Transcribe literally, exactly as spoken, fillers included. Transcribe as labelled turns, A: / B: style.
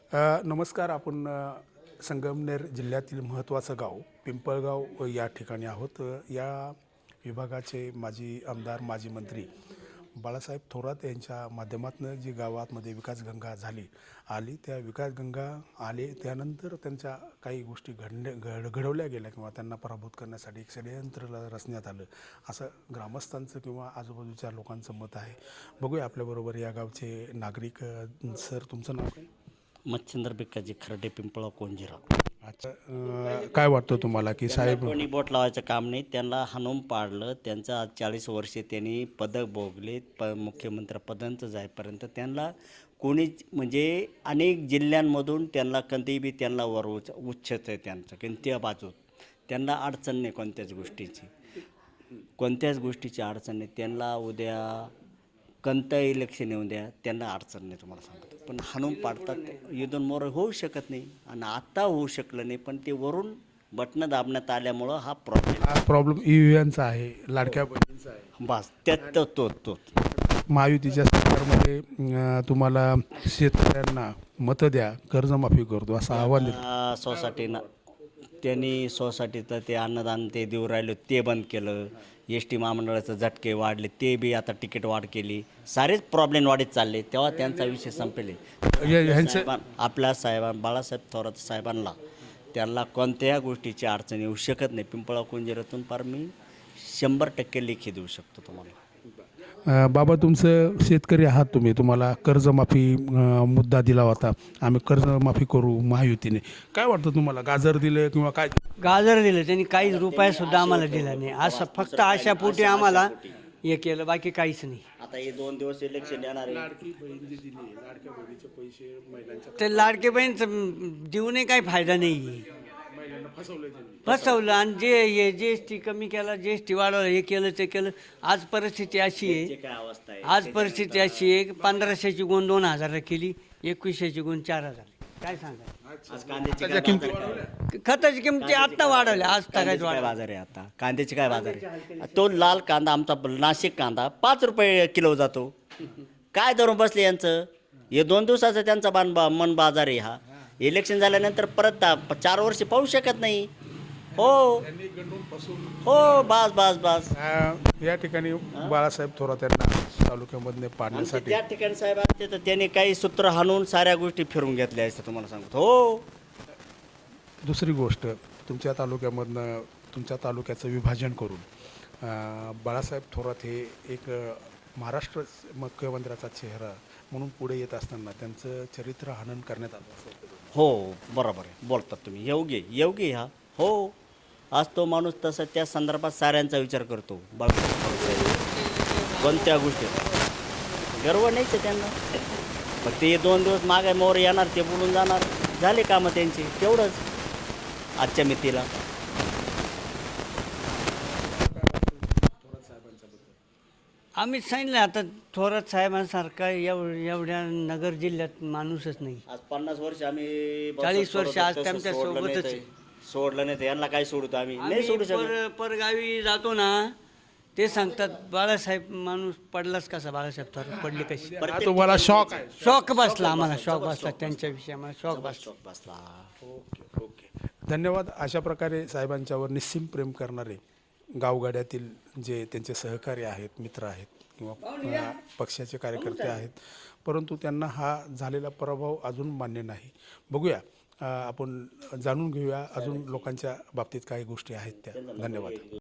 A: अ, नमस्कार. आपण अ, संगमनेर जिल्ह्यातील महत्त्वाचं गाव पिंपळगाव या ठिकाणी आहोत. अ, या विभागाचे माजी आमदार, माजी मंत्री बाळासाहेब थोरात यांच्या माध्यमातून जी गावामध्ये विकासगंगा झाली आली, त्या विकासगंगा आले त्यानंतर त्यांच्या काही गोष्टी घडणे घड घडवल्या गेल्या किंवा त्यांना पराभूत करण्यासाठी एक षडयंत्र रचण्यात आलं, असं ग्रामस्थांचं किंवा आजूबाजूच्या लोकांचं मत आहे. बघूया आपल्याबरोबर या गावचे नागरिक. अ, सर, तुमचं नाव काय?
B: मच्छिंद्र भिक्काजी खर्डे, पिंपळा, कोंजिरा.
A: अच्छा. अ, काय वाटतं तुम्हाला की
B: त्यांना
A: साहेब
B: कोणी बोट लावायचं काम नाही, त्यांना हाणून पाडलं. त्यांचं आज चाळीस वर्षे त्यांनी पदक भोगले. प मुख्यमंत्रीपदांचं जाईपर्यंत त्यांना कोणीच म्हणजे अनेक जिल्ह्यांमधून त्यांना कधी बी त्यांना वर उच उच्चच आहे त्यांचं कोणत्या बाजूत. त्यांना अडचण नाही कोणत्याच गोष्टीची, कोणत्याच गोष्टीची अडचण नाही त्यांना. उद्या कोणतं इलेक्शन येऊन द्या, त्यांना अडचण नाही, तुम्हाला सांगतो. पण हाणून पाडतात, इथून मोर होऊ शकत नाही आणि आत्ता होऊ शकलं नाही. पण ते वरून बटणं दाबण्यात आल्यामुळं हा प्रॉब्लेम
A: हा प्रॉब्लेम ई व्ही एमचा आहे, लाडक्या बहिणींचा आहे.
B: बस त्यात तो तो तोच
A: महायुतीच्या सरकारमध्ये अ, तुम्हाला शेतकऱ्यांना मतं द्या, कर्जमाफी करतो असं आव्हान दिलं.
B: आ, सोसायटीनं त्यांनी सोसायटीचं ते अन्नदान ते देऊ राहिलं ते बंद केलं. एस टी महामंडळाचं झटके वाढले, ते बी आता तिकीट वाढ केली. सारेच प्रॉब्लेम वाढत चालले, तेव्हा त्यांचा विषय संपेल.
A: या- ह्यांचं
B: साहेबां आपल्या साहेबां बाळासाहेब थोरात साहेबांना त्यांना कोणत्याही गोष्टीची अडचण येऊ शकत नाही. पिंपळा कोंजिरातून फार मी शंभर टक्के लेखी देऊ शकतो तुम्हाला.
A: अ, बाबा, तुमचं शेतकरी आहात तुम्ही, तुम्हाला कर्जमाफी अ, मुद्दा दिला होता. आम्ही कर्जमाफी करू महायुतीने. काय वाटतं तुम्हाला, गाजर दिले किंवा काय?
C: गाजर दिलं त्यांनी, काहीच रुपया सुद्धा आम्हाला दिला नाही. असं फक्त आशापोटी आम्हाला हे केलं, बाकी काहीच नाही.
B: आता हे दोन दिवस इलेक्शन येणार आहे.
C: ते लाडके बहीण देऊनही काही फायदा नाही. फसवलं. आणि जे हे जी एस टी कमी केला, जी एस टी वाढवलं, हे केलं ते केलं. आज परिस्थिती अशी आहे,
B: काय अवस्था आहे
C: आज परिस्थिती अशी आहे, पंधराशेची गुण दोन हजार केली, एकवीसशेची गुण चार हजार. काय सांगा,
B: आज कांद्याची काय बाजार आहे?
C: खताची किमती आत्ता वाढवल्या, आज
B: कांद्याची
C: तगायच
B: काय
C: वाढ.
B: बाजार आहे आता? कांद्याची काय बाजार आहे? तो लाल कांदा आमचा नाशिक कांदा पाच रुपये किलो जातो. काय धरून बसले यांचं? हे दोन दिवसाचा त्यांचा बान बा मन बाजार आहे हा. इलेक्शन झाल्यानंतर परत ता- चार वर्ष पाहू शकत नाही. हो हो बस बस बस
A: अ, या ठिकाणी बाळासाहेब थोरात यांना तालुक्यामधले
B: आणि
A: पाडण्यासाठी
B: त्या ठिकाणी साहेब असते तर त्यांनी काही सूत्र हाणून साऱ्या गोष्टी फिरून घेतल्या असतं, तुम्हाला सांगतो. हो,
A: दुसरी गोष्ट, तुमच्या तालुक्यामधनं तुमच्या तालुक्याचं विभाजन करून अ, बाळासाहेब थोरात हे एक अ, महाराष्ट्र मुख्यमंत्र्याचा चेहरा म्हणून पुढे येत असताना त्यांचं चरित्र हनन करण्यात आलं असं वाटतं तुम्हाला?
B: हो, बरोबर आहे, बोलतात तुम्ही. योग्य योग्य हा. हो, आज तो माणूस तसं त्या संदर्भात साऱ्यांचा विचार करतो. बाळासाहेब कोणत्या गोष्टीत गर्व नाहीच आहे त्यांना. फक्त ते दोन दिवस मागे मोर येणार, ते बोलून जाणार, झाले कामं त्यांची, तेवढंच आजच्या मितीला.
C: आम्ही सांगितलं आता, थोरात साहेबांसारखा एव एवढ्या नगर जिल्ह्यात माणूसच नाही.
B: आज पन्नास वर्ष आम्ही
C: चाळीस वर्ष आज
B: तसं
C: त्यांच्या
B: सोडलं
C: सोबतच
B: नाही
C: आहे.
B: ते. सोडलं नाही तर यांना काय सोडतो आम्ही? नाही
C: आम्ही
B: सोडू शकत.
C: पर परगावी जातो ना, ते सांगतात बाळासाहेब माणूस पडलाच कसा, बाळासाहेब थोरात पडले कशी.
A: हा तुम्हाला शॉक आहे?
C: शॉक बसला आम्हाला, शॉक बसला त्यांच्याविषयी आम्हाला शॉक बसला.
B: शौक बसला.
A: ओके ओके धन्यवाद. अशा प्रकारे साहेबांच्यावर निस्सीम प्रेम करणारे गावगाड्यातील जे त्यांचे सहकारी आहेत, मित्र आहेत किंवा अ, पक्षाचे कार्यकर्ते आहेत, परंतु त्यांना हा झालेला पराभव अजून मान्य नाही. बघूया, अ, आपण जाणून घेऊया अजून लोकांच्या बाबतीत काही गोष्टी आहेत त्या. धन्यवाद.